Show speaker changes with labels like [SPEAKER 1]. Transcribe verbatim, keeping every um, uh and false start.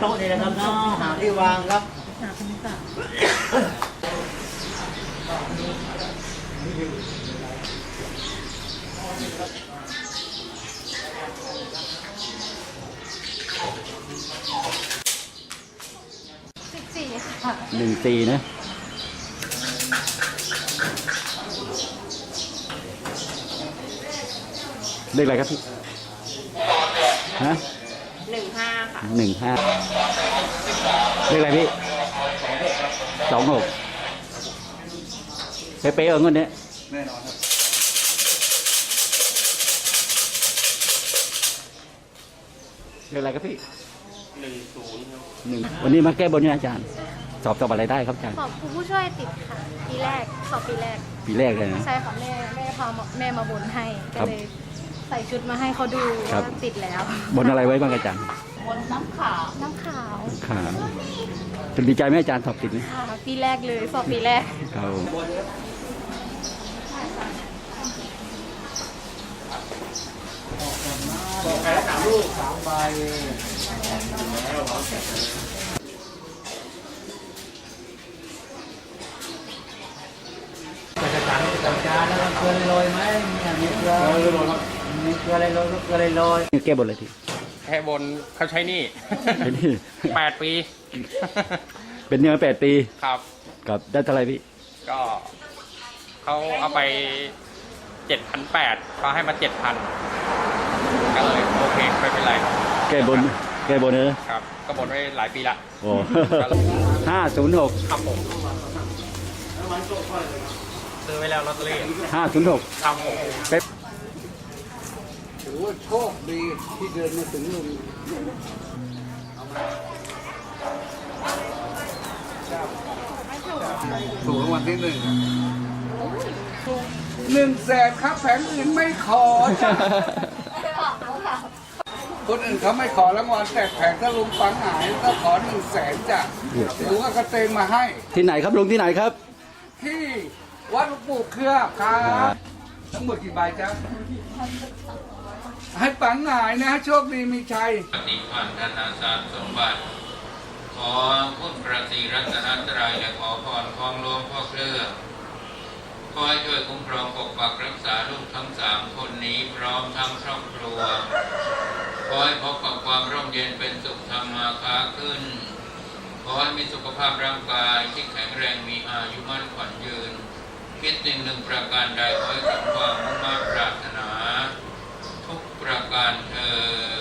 [SPEAKER 1] โต๊ะนี่นะครับเนาะหาที่วางครับ
[SPEAKER 2] หาคุณตาสิบสี่ค่ะ
[SPEAKER 3] หนึ่งสี่นะเลขอะไรครับพี่ฮะ
[SPEAKER 2] หนึ่งห้าค่ะ
[SPEAKER 3] หนึ่งห้าเลขอะไรพี่สองหกเป๊ะๆเออเงินเนี้ยแน่นอนครับเลขอะไรครับพี่หนึ่งศูนย์หนึ่งวันนี้มาแก้บนเนี่ยอาจารย์สอบสอบอะไรได้ครับอาจารย์
[SPEAKER 2] สอบครูผู้ช่วยติดค่ะปีแรกสอบปีแรก
[SPEAKER 3] ปีแรกเลยนะ
[SPEAKER 2] ใช่ค่ะแม่แม่พาแม่มาบนให้ก็เลยใส่ชุดมาให้เขาดูว่าติดแล้ว
[SPEAKER 3] บนอะไรไว้บ้างอาจารย์
[SPEAKER 2] บนน้ำขาวน้ำขาว
[SPEAKER 3] ขาวจะดีใจไหมอาจารย์สอบติดไหม
[SPEAKER 2] ค่ะปีแรกเลยสอบปีแรก
[SPEAKER 3] เขา
[SPEAKER 1] บอกแค่สามลูกสามใบจะจานจะจานแล้วเกลือลอยไหมเนี่ยมีเกลือมีเกลืออะไรลอยเกลืออะไรลอย
[SPEAKER 3] แก้บนอะไรที
[SPEAKER 4] แค่บนเขาใช้นี่แปดปี
[SPEAKER 3] เป็นเนื้อแปดปี
[SPEAKER 4] ครับ
[SPEAKER 3] กับได้เท่าไรพี่
[SPEAKER 4] ก็เขาเอาไปเจ็ดพันแปดเขาให้มาเจ็ดพันก็เลยโอเคไม่เป็นไร
[SPEAKER 3] แก้บนแก้บนเนอะ
[SPEAKER 4] ครับก็บนไว้หลายปีละ
[SPEAKER 3] โอ้ห้าศูนย์หก
[SPEAKER 4] ครับผมซื้อไว้แล้วลอตเตอรี่
[SPEAKER 3] ห้าศูนย์หก
[SPEAKER 4] ครับผม
[SPEAKER 1] ถือว่าโชคดีที่เดินมาถึงลุงถูกรางวัลที่หนึ่งหนึ่งแสนครับแผงอื่นไม่ขอจ้ะคนอื่นเขาไม่ขอรางวัลแต่แผงถ้าลุงฟังหายก็ขอหนึ่งแสนจ้ะลุงก็กระเตงมาให้
[SPEAKER 3] ที่ไหนครับลุงที่ไหนครับ
[SPEAKER 1] ที่วัดหลวงปู่เครือครับทั้งหมดกี่ใบจ๊ะให้ปังหายนะโชคดีมีชัย
[SPEAKER 5] ปฏิพันธนาสารสมบัติขอคุณพระศรีรัตนตรัยและขอพรของหลวงพ่อเครือขอให้ช่วยคุ้มครองปกปักรักษาลูกทั้งสามคนนี้พร้อมทั้งครอบครัวขอให้พบกับความร่มเย็นเป็นสุขทำมาค้าขึ้นขอให้มีสุขภาพร่างกายที่แข็งแรงมีอายุมั่นขวัญยืนคิดสิ่งหนึ่งประการใดขอให้สมความมุ่งมั่นปรารถนาทุกประการเถิด